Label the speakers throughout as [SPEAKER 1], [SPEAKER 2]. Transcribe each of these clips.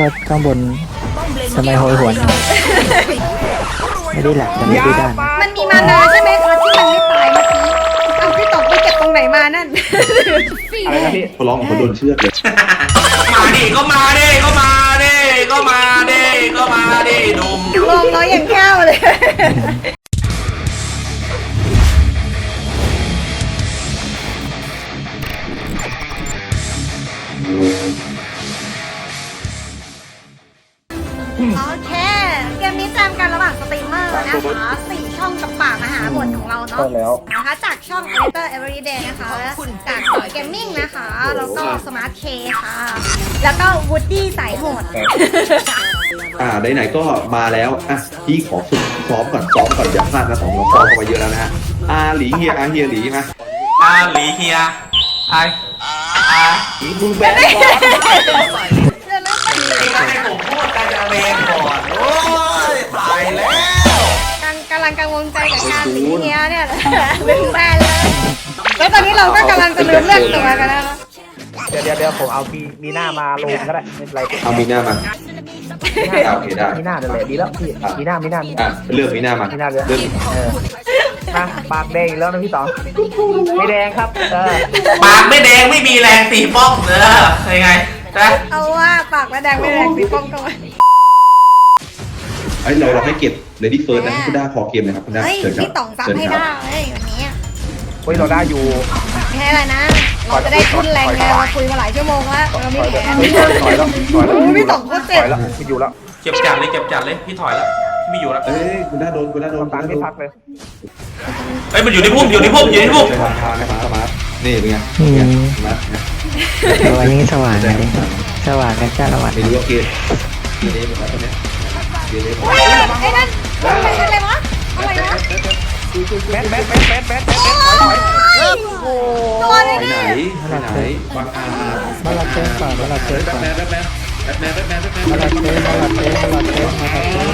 [SPEAKER 1] ก็ข้างบนทำไมโหยหวนไม่ได้หลักแต่ไม่ได้ด้าน
[SPEAKER 2] มันมีมานาใช่ไหมคะที่มันไม่ตายเมื่อกี้เอาพี่ต๋องไปเก็บตรงไหนมานั่น
[SPEAKER 3] อะไรนะพี่
[SPEAKER 4] เขาร้องเขาโดนเชือกเลย
[SPEAKER 5] มาดิก็มาดิก็มาดิก็มาดิก็มาดิหนุ่ม
[SPEAKER 2] ลมน้อยอย่างแก้วเลย โอเค เกมนี้แจมกันระหว่างสตรีมเมอร์นะคะ4ช่องกับปากมหาบทของเราเนาะ
[SPEAKER 3] ใช่แล้ว
[SPEAKER 2] นะคะจากช่อง Editor Everyday นะคะจากเกมมิ่งนะคะ แล้วก็ Smart K ค่ะ แล้วก็ Woody สายโหด
[SPEAKER 4] ไหนๆก็มาแล้วพี่ขอฝึกซ้อมก่อนอย่าพลาดนะ2 เราซ้อมกันมาเยอะแล้วนะฮะหลีเฮียเฮียหลีมา
[SPEAKER 5] หลีเฮียไอ
[SPEAKER 4] มึงแบนก่อน
[SPEAKER 2] เดี๋ยวนะ
[SPEAKER 5] ให้ผมพูดการจะเบนก่อนโอ้ยตายแล้ว
[SPEAKER 2] กำลังกังวลใจกับการสีเนี้ยเนี่ยลืมแม่เลยแล้วตอนนี้เราก็กำลังจะลืมเลือกตัวกันแล้วนะ
[SPEAKER 3] เดี๋ยวผมเอามีหน้ามาลงก็ได้ไม่เป็นไร
[SPEAKER 4] เอามีหน้ามาโอเคได้
[SPEAKER 3] มีหน้านั่นแหละดีแล้วพี่มีหน้า
[SPEAKER 4] เลือกมีหน้ามา
[SPEAKER 3] มีหน้าเลย
[SPEAKER 4] เลือก
[SPEAKER 3] ปากแดงอีกแล้วนะพี่ต๋องไม่แดงครับ
[SPEAKER 5] ปากไม่แดงไม่มีแรงตีป้องยังไงนะ
[SPEAKER 2] เอาว่าปากและแดงไม่แดงสีป้องกันไว้
[SPEAKER 4] เราให้เก็บ Lady First นะคุณด้าขอเกมนะครับคุณด้า
[SPEAKER 2] เฮ้ย
[SPEAKER 4] เชิญครับ
[SPEAKER 2] พี่ต๋องซับให้ได้เฮ้ยวันนี้
[SPEAKER 3] เฮ้ยเราได้อยู่
[SPEAKER 2] แค่อะไรนะ เราจะได้ทุนแรงไงเราคุยมาหลายชั่วโมงแล้วเราไม่แพ้
[SPEAKER 3] ถอยแล้ว
[SPEAKER 2] พี่ต๋องก็เจ็บ
[SPEAKER 3] ถอยแล้วไม่อยู่แล้ว
[SPEAKER 5] เก็บจัดเลยพี่ถอยแล้วพี่ไม่อยู่แล้ว
[SPEAKER 4] คุณด้าโดน
[SPEAKER 3] ตังค์ไม่พักเลย
[SPEAKER 5] เฮ้ยมันอยู่ในพุ่มอยู่ในพุ่ม
[SPEAKER 4] สมาร์ทนี่เป็นไงนะ
[SPEAKER 1] วันนี้สว่างเลยสว่างกันจ้าละวัน
[SPEAKER 4] ไม่รู้ว่าเกมนี้เป็นอะไรตอนนี้เกมนี้
[SPEAKER 2] เฮ้ยไอ้นั่นมันเป็นอะไรวะอะไรนะ
[SPEAKER 3] แบท
[SPEAKER 2] ตัวอะไร
[SPEAKER 4] ไปไหน
[SPEAKER 2] เนี่ย
[SPEAKER 4] บางอา
[SPEAKER 1] มาลาเต้ก่อนมาลาเต้ก่อน
[SPEAKER 4] แบทแมน
[SPEAKER 1] มาลาเต้มาลาเต้มาลาเต้มาลาเต้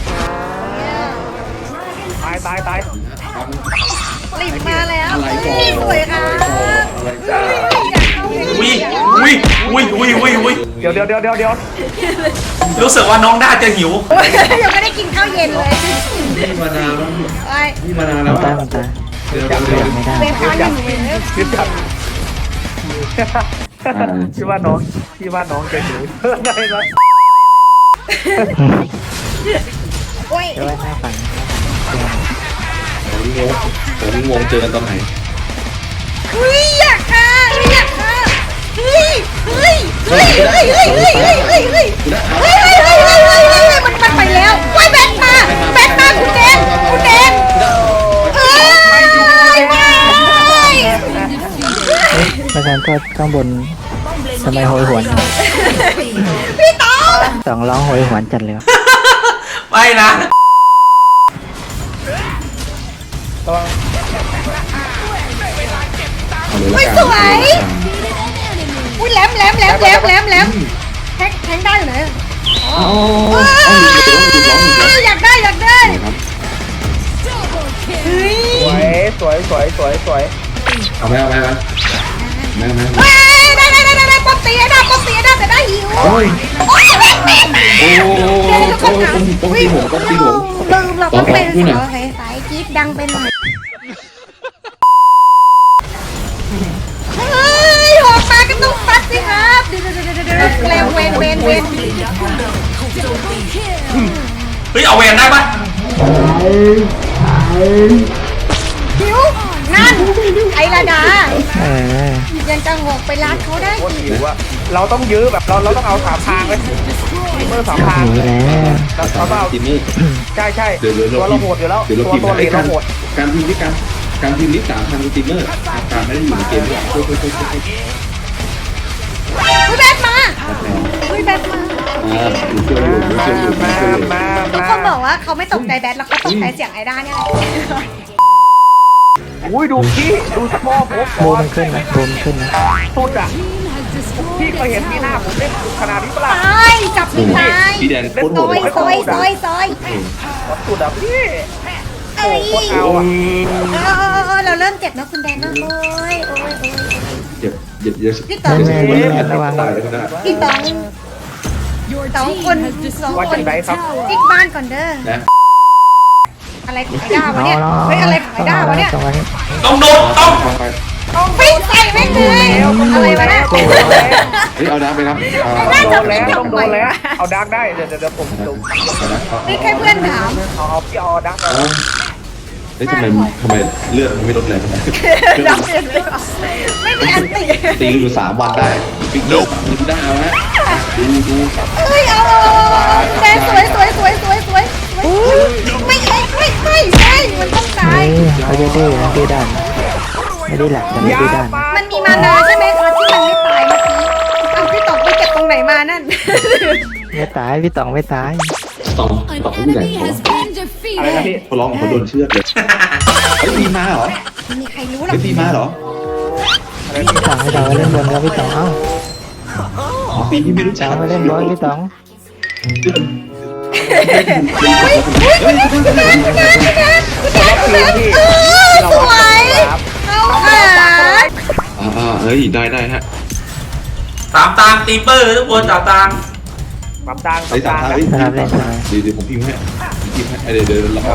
[SPEAKER 3] ตาย
[SPEAKER 2] หลิบมาแล้วนี่สวยค่ะ
[SPEAKER 5] วิ
[SPEAKER 3] เดี๋ยว
[SPEAKER 5] รู้สึกว่าน้องน่าจะหิว
[SPEAKER 2] ยังไม่ได้กินข้าวเย็นเลย
[SPEAKER 4] นี่มานานแล้ว
[SPEAKER 2] ไอ้
[SPEAKER 4] นี่มานานแล้ว
[SPEAKER 1] ตาตา
[SPEAKER 4] เดี๋ยว
[SPEAKER 1] ไม่ได้
[SPEAKER 2] เวฟข้าวอยู่เลย
[SPEAKER 3] คิดจัดพี่ว่าน้องจะหิวได้ไหม
[SPEAKER 2] โอ้ย
[SPEAKER 1] เดี๋ยวไว้หน้าฝัน
[SPEAKER 4] ผมงงเจอกันตอนไหน
[SPEAKER 2] เฮ้ยอยากค่ะเฮ้ยมันไปแล้วว้ยแบทมาคุณแดง
[SPEAKER 1] ประธานก็ข้างบนทำไมโหยหวน
[SPEAKER 2] พี่ต๋อง
[SPEAKER 1] สองร้องโหยหวนจัดเลย
[SPEAKER 5] ไม่นะ
[SPEAKER 2] ไม่สวยอุ้ยแหลมแทงได้อยู่ไหนอยากได้เฮ้ย
[SPEAKER 3] สวย
[SPEAKER 4] เอาไหมได้
[SPEAKER 2] ป๊อปตีได้แต่ได้หิวโอ้ยแม่ลืมเราก็เป็นโอเคสายจี๊ดดังเป็นหน่อยเฮ้ยหอกมาก็ต้องฟัดสิครับเดี๋ยวเวน
[SPEAKER 5] เฮ้ยเอาแวนได้ปะ
[SPEAKER 2] หิวนั่นไอ้ระดา
[SPEAKER 1] อ
[SPEAKER 2] ยังจะหอกไปรัดเขาได้
[SPEAKER 3] โคตรหิวอะเราต้องยื้อแบบเราต้องเอา3 ทางเลยเมื่อ3 ทาง
[SPEAKER 1] หนีแล้ว
[SPEAKER 3] เราต้องเอา
[SPEAKER 4] ทีมนี้
[SPEAKER 3] ใช่
[SPEAKER 4] เดี๋ยว
[SPEAKER 3] ตัวเราโหดอยู่แล้ว
[SPEAKER 4] เดี๋ยวเรา
[SPEAKER 3] ตัว
[SPEAKER 4] พิมพ์
[SPEAKER 3] ตัว
[SPEAKER 4] ให้
[SPEAKER 3] เราโหด
[SPEAKER 4] การพิมพ์ที่การพิมพ์ลิสต์3 ทางทีมเมอร์การไม่ได้อยู่ในเกมนี้ช่วย
[SPEAKER 2] อุ้ยแบทมาช่วยอยู่ ทุกคนบอกว่าเขาไม่ตกใจแบทแล้วเขาตกใจเสียงไอด้าเนี่ย
[SPEAKER 3] อุ้ยดูสปอร์ผม
[SPEAKER 1] บูมันขึ้นนะบูมขึ้นนะ
[SPEAKER 3] สุดอ่ะพี่เคยเห็นมีหน้าผมเล่นขนาดนี้ปะล่ะ
[SPEAKER 2] ตายจับไม่ตาย
[SPEAKER 4] พี่แดนโคตรโห
[SPEAKER 2] ซ
[SPEAKER 4] ด
[SPEAKER 2] อย
[SPEAKER 3] สุดอ่ะพี่
[SPEAKER 2] เอ้ย
[SPEAKER 3] โคตรเอาอ่ะ
[SPEAKER 2] เราเริ่มเจ็บนะคุณแดนนะโอ้ย
[SPEAKER 4] เดี๋ยว
[SPEAKER 2] พี่ต๋อง
[SPEAKER 4] ระวังตายเลยนะ
[SPEAKER 2] พี่ต๋อง
[SPEAKER 6] Your
[SPEAKER 2] สองคนติ๊กบ้านก่อนเด้อ
[SPEAKER 4] นะ
[SPEAKER 2] อะไรของไอ้ด้าวะเนี่ยเฮ้ยอะไรของไอ้ด้าวะเนี่ย
[SPEAKER 1] ตรงนี้
[SPEAKER 5] ต้องโดนต้อง
[SPEAKER 4] เอาไป
[SPEAKER 2] ปิ้งใส่แม่งเลยอะไรวะเนี่ย
[SPEAKER 4] เฮ้ยเอาน้ำไปครับเอา
[SPEAKER 2] น่าจะ
[SPEAKER 3] โดนแล้วต้องโดนแล้วเอาดักได้เดี๋ยวผมดู
[SPEAKER 2] นี่แค่เพื่อนถาม
[SPEAKER 3] เอาพี่เอาดักเอา
[SPEAKER 4] เฮ้ยทำไมเลือดมันไม่ลดเลย
[SPEAKER 2] ดับเปลี่ยนเลยไม่มีอันติ
[SPEAKER 4] ตีอยู่3 วันได้ปิดโลกมันได้เอาฮะดู
[SPEAKER 2] เฮ้ยเอาแดงสวยไม่มันต้องตาย
[SPEAKER 1] นี่เขาจะดื้อนะดื้อด้านไม่ได้หลักแต่ไม่ดื้อด้าน
[SPEAKER 2] มันมีมานาใช่ไหมคะที่มันไม่ตายเมื่อกี้เอาพี่ต๋องไปเก็บตรงไหนมานั่น
[SPEAKER 1] ไม่ตายพี่ต๋องไม่ตาย
[SPEAKER 4] ต่อผู้ใหญ่เขา
[SPEAKER 3] อะไรนะพี่
[SPEAKER 4] เขาร้องเขาโดนเชือดเลยเฮ้ยตีมาเหรอ
[SPEAKER 2] ไม่มีใครรู้หรอ
[SPEAKER 4] เฮ้
[SPEAKER 2] ก
[SPEAKER 4] ยตีมาเหรอ
[SPEAKER 1] พี่ต๋องพี่ต๋องมาเล่นบอลแล้วพี่ต๋องเอ้า
[SPEAKER 4] ตีที่ไม่รู้
[SPEAKER 1] ต๋
[SPEAKER 4] จั
[SPEAKER 1] อก งมาเล่นบอลพี่ต๋อง
[SPEAKER 2] สวยเข้าขา
[SPEAKER 4] เฮ้ยได้ฮะ
[SPEAKER 5] ตามตามตีเปอร์ทุกคนตามตาม
[SPEAKER 3] ปรับตัง
[SPEAKER 4] ไอ้สามทางเฮ้ย
[SPEAKER 1] สนามเล่นสนาม
[SPEAKER 4] เดี๋ยวผมพิมพ์ให้เดี๋ยวเรา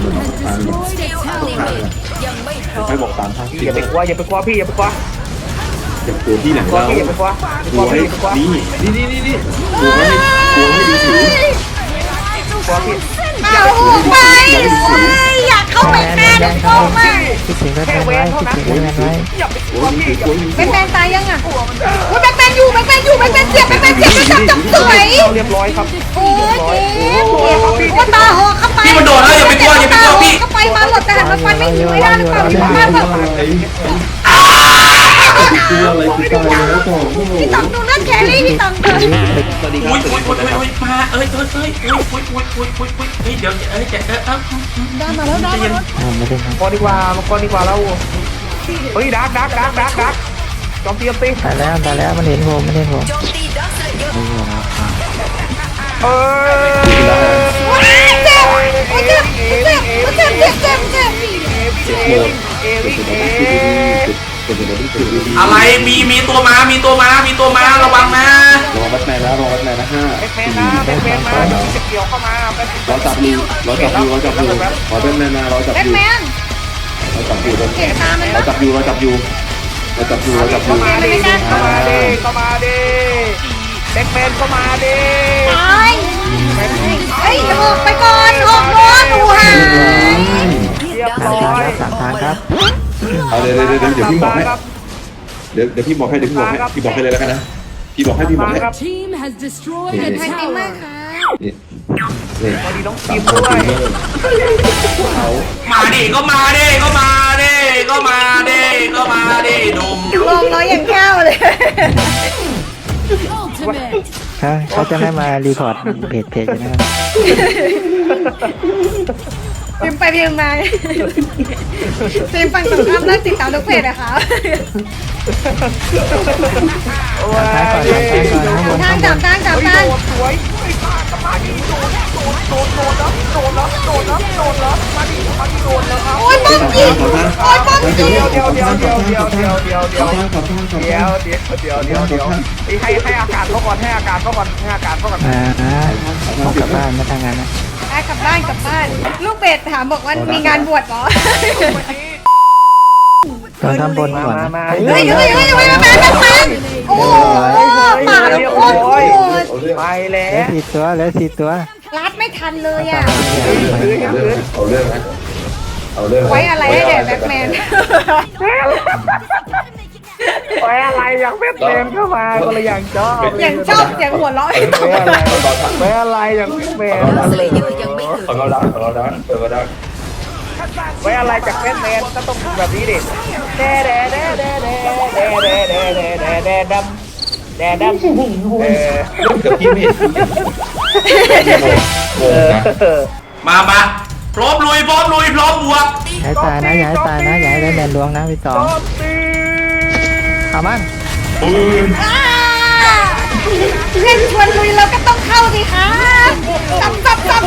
[SPEAKER 4] ไม่บอก3 ทาง
[SPEAKER 3] อย่าไปกลัวพี่อย่าไปกลัว
[SPEAKER 4] อย่าตัวพี่หนัง
[SPEAKER 3] กลัว
[SPEAKER 4] เรา
[SPEAKER 3] พี่อย่าไปกลัว
[SPEAKER 4] กลัวให้นี่กลัวให้ดูถือก
[SPEAKER 3] ลัวพี่
[SPEAKER 2] เอาไปอยากเข้าไปแม่เข้ามา
[SPEAKER 1] คิดถึงแบทแมนไว้คิดถึงแบทแมนไว้
[SPEAKER 3] อย่าไปก
[SPEAKER 4] ก
[SPEAKER 3] ลั
[SPEAKER 4] ลั
[SPEAKER 3] ว
[SPEAKER 4] ว
[SPEAKER 3] พี่
[SPEAKER 4] กลัว
[SPEAKER 2] แบทแมนตายยังอ่ะแบทแมนอยู่แบทแมนเจ็บจับสวย
[SPEAKER 3] เรียบร้อยครับ
[SPEAKER 2] โอ้ยว่าตาหอกเข้าไปเข้าไปมาหลดแต่หันมาฟันไม่ยิงไม่ได้หรือเปล่าพี่บ้านแบบ
[SPEAKER 4] กลัวอะไรกูตายแล้วต่อ
[SPEAKER 2] พี่ตังดูนั่นแครี่พี่ตังเถอะ
[SPEAKER 4] สวัสดีครั
[SPEAKER 5] อุ้
[SPEAKER 4] บ
[SPEAKER 5] ยมาเอ้ยเดี๋ยว
[SPEAKER 2] ได้มาแล้ว
[SPEAKER 1] ไม่เล่นครับ
[SPEAKER 3] ก่อนดีกว่าเราเฮ้ยดักจอมตี
[SPEAKER 1] ตายแล้วมันเห็นผมไม่เห็นผม
[SPEAKER 3] เอ
[SPEAKER 5] อะไรมีตัวมาระวังนะ
[SPEAKER 4] รอวัดแมนแล้วรอวัดแมนนะ5
[SPEAKER 3] แบทแมนมาจะเกี่ยวเข้ามา
[SPEAKER 4] เราจับอยู่ขอแบทแมนมารอจับ
[SPEAKER 2] แบ
[SPEAKER 4] อ
[SPEAKER 2] ท
[SPEAKER 4] ยู่
[SPEAKER 2] แมน
[SPEAKER 4] เราจับอยู่
[SPEAKER 2] เห็นตามัน
[SPEAKER 4] เราจับอยู่
[SPEAKER 3] เข้ามาดิแบทแมนเข้ามาดิ
[SPEAKER 2] ตายเฮ้ยออกไปก่อนออกก่อนหนูหาย
[SPEAKER 3] เรียบร้อย
[SPEAKER 1] 3 ทางครับ
[SPEAKER 4] เอาเดี๋ยวพี่บอกให้เดี๋ยวพี่บอกให้เลยแล้วกันนะพี่บอกให้
[SPEAKER 6] Team has destroyed a
[SPEAKER 2] ใครตีมาก
[SPEAKER 6] tower.
[SPEAKER 2] ค่ะ
[SPEAKER 4] นี่
[SPEAKER 3] พอดีน้องทีมด้วย
[SPEAKER 4] เขา
[SPEAKER 5] มาดิก็มาดิดุม
[SPEAKER 2] ลงน้อยอย่างแก้วเลย
[SPEAKER 6] Ultimate.
[SPEAKER 1] เขาจะไม่มารีพอร์ตเพจนะครับ
[SPEAKER 2] พิมพ์ไปพิมพ์มาพิมพ์ฟังสงครามเลิกติดตามทุกเพจนะคะ
[SPEAKER 1] ท้ายก่อนข้างบน
[SPEAKER 2] ทางจับ
[SPEAKER 3] สวยมาดิโดนแล้วครับ
[SPEAKER 2] โอ้ยป้อมยิงโอ้ยป้อมยิง
[SPEAKER 3] เดี๋ยวให้อากาศเขาก่อน
[SPEAKER 1] ผมกลับบ้านมาทางงานนะ
[SPEAKER 2] กลับบ้านลูกเบสถามบอกว่ามีงานบวชเหรอ
[SPEAKER 1] ตอนทำบนก่อนนะ
[SPEAKER 2] เฮ้ยแมนโอ้ป่าแล้วโคตรโหด
[SPEAKER 3] ไปแล้
[SPEAKER 1] เหลือ
[SPEAKER 3] ว
[SPEAKER 1] 4 ตัว
[SPEAKER 2] รัดไม่ทันเลยอ่ะ
[SPEAKER 4] เอาเรื่องนะเอาเรื่อง
[SPEAKER 2] ไว้อะไรให้แด่แบทแมน
[SPEAKER 3] ไปอะไรอย่างแบทแมนเข้ามาก็เลยอย่างชอบ
[SPEAKER 2] อย่างชอบอย่างหัวเราะ
[SPEAKER 3] ไปอะไรอย่างแบทแมน
[SPEAKER 4] ของเราดัง
[SPEAKER 3] ไว้อะไรจากแบทแมนก็ต้องแบบนี้ดิแด่ดำ
[SPEAKER 4] เดี๋ยวพี่ไม่เห็น
[SPEAKER 5] มาพร้อมลุยพร้อมบวก
[SPEAKER 1] อย่าให้ตายนะอย่าให้ได้แมนล้วงนะพี่ตองเอามัน
[SPEAKER 2] เล่นชวนลุยเราก็ต้องเข้าสิคะซับ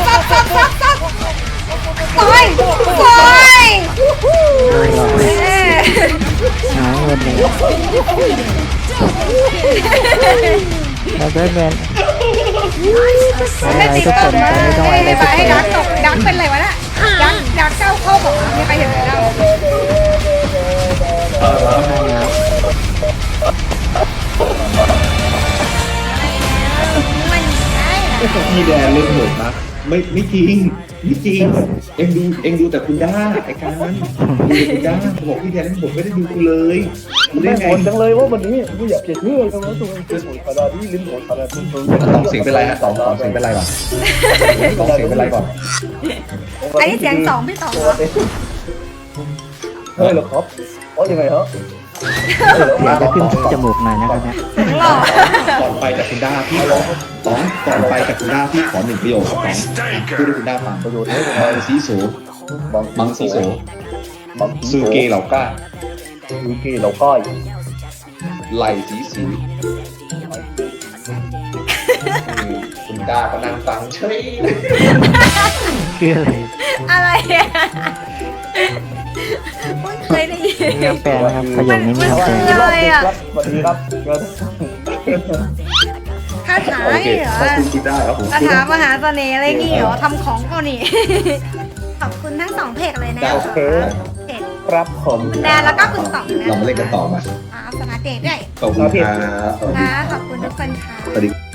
[SPEAKER 2] ปล่อย
[SPEAKER 1] หายหมดเลยแล้วแบทแมนไม่เป็นไรทุกคนจะไม่ต้องอะไรทุก
[SPEAKER 2] ให้
[SPEAKER 1] คน
[SPEAKER 2] ดักตกดักเป็นไรวะน่ะดักเจ้าเข้าบอกมีใครเห็นไหมเล่า มันได้นะ
[SPEAKER 4] พี่แดนเล่นโหดนะไม่จริงไม่จริงเอ็งดูแต่คุณด้าไอ้การดูคุณด้าบอกพี่แดนเล่นโหดไม่ได้ดูกูเลยดูได้
[SPEAKER 3] ไม่
[SPEAKER 4] ไง
[SPEAKER 3] โหดจังเลยว่าวันนี้ไม่อยากจะเชื่อจังเลยตัวเองเป็นโหดขนาดนี้ลิ้นโหดขนาดนี้
[SPEAKER 4] สองเสียงเป็นไรฮะสองเสียงเป็นไรก่อนสองเสียงเป็นไรก่อน
[SPEAKER 2] อันนี้เสียงสองพี่สองเหรอ
[SPEAKER 3] เฮ้ยเหรอครับอ๋อยังไงฮะ
[SPEAKER 1] เสียงจะขึ้นจมูกหน่อยนะครับเนี่ย
[SPEAKER 2] เสียงหล่อ
[SPEAKER 4] ก่อนไปจากคุณด้าพี่ขอสองก่อนไปจากคุณด้าพี่ขอ1ประโยคสองพูดให้คุณด้าฟัง
[SPEAKER 3] ประโยชน์ให้
[SPEAKER 4] มังสีโสมังสีโสซูเกเหล่าก้า
[SPEAKER 3] ซูเกเหล่าก้อย
[SPEAKER 4] ไหลสีสีคุณด้าก็นั่งฟังเฉย
[SPEAKER 1] คืออะไร
[SPEAKER 2] อะไรอ่ะเคยได้ยิน
[SPEAKER 1] มีคำแปลนะครับประโยคนี้มีคำแปล
[SPEAKER 2] มันอะไรอ่ะ
[SPEAKER 3] สวัสดีครับ
[SPEAKER 2] คาถา
[SPEAKER 4] โอเค
[SPEAKER 2] เหรอ
[SPEAKER 4] ขอบคุณคุณด้าครับผม
[SPEAKER 2] คาถามหาเสน่ห์อะไรนี่เหรอทำของก็นี่ ขอบคุณทั้งสองเพจเลยนะคะเพจ
[SPEAKER 3] ครับผม
[SPEAKER 2] คุณแดนแล้วก็คุณสองนะ
[SPEAKER 4] เรามาเล่นกันต่อมา
[SPEAKER 2] สมาร์ทเดทด้วย
[SPEAKER 4] ขอบคุณครับ
[SPEAKER 2] นะขอบคุณทุกคนค่ะ
[SPEAKER 4] สวัสดี